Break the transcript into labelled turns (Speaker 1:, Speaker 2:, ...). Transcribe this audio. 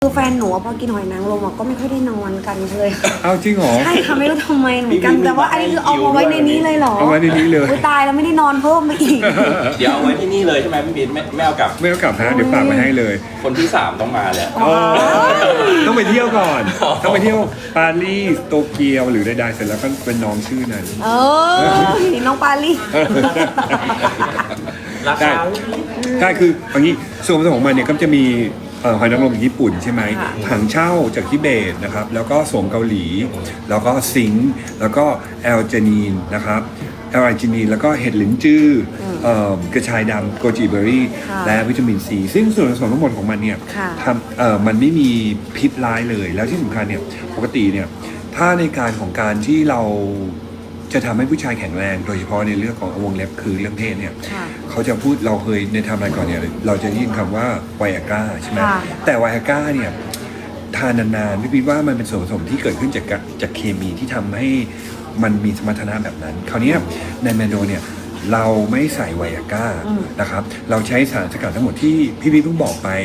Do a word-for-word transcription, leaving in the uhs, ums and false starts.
Speaker 1: คือแฟนหนูพอกินหอยนางรมก็ไม่ค่อยได้นอนกันเลย
Speaker 2: เอาจริงเหรอ
Speaker 1: ใช่ค่ะไม่รู้ทำไมเหมือนกันแต่ว่าอันนี้คือเอามาไว้ในนี้เลยเหรอ
Speaker 2: เอาไว้ในนี้เลย
Speaker 1: ตายแล้วไม่ได้นอนเพิ่มไปอีก
Speaker 3: เดี๋ยวเอาไว้ที่นี่เลยใช่ไหมพี่บิ๊นไม่ไม่เอากลับ
Speaker 2: ไม่เอากลับนะเดี๋ยวฝากไว้ให้เลย
Speaker 3: คนที่สามต้องมาเลย
Speaker 2: ต้องไปเที่ยวก่อนต้องไปเที่ยวปารีสโตเกียวหรือใดๆเสร็จแล้วก็เป็นน้องชื่อนั้น
Speaker 1: เออน้องปารีส
Speaker 3: ราคา
Speaker 2: ใช่คืออย่างนี้ส่วนผสมของมันเนี่ยก็จะมีหอยนางรมญี่ปุ่นใช่ไหมถังเช่าจากทิเบตนะครับแล้วก็โสมเกาหลีแล้วก็ซิงค์แล้วก็แอลจานีนนะครับแอลอาร์จินีนแล้วก็เห็ดหลินจื้อกระชายดำโกจิเบอร์รี่และวิตามินซีซึ่งส่วนผสมทั้งหมดของมันเนี่ยทำเอ่อมันไม่มีพิษร้ายเลยแล้วที่สำคัญเนี่ยปกติเนี่ยถ้าในการของการที่เราจะทำให้ผู้ชายแข็งแรงโดยเฉพาะในเรื่องของวงเล็บคือเรื่องเพศเนี่ยเขาจะพูดเราเคยในทำอะไรก่อนเนี่ยเราจะได้ยินคำว่าไวอาก้าใช่ไหมแต่ไวอาก้าเนี่ยทานนานๆพี่พีว่ามันเป็นส่วนผสมที่เกิดขึ้นจากจากเคมีที่ทำให้มันมีสมรรถนะแบบนั้นคราวนี้ในแมนโดเนี่ยเราไม่ใส่ไวอาก้านะครับเราใช้สารสกัดทั้งหมดที่พี่พีเพิ่งบอกไป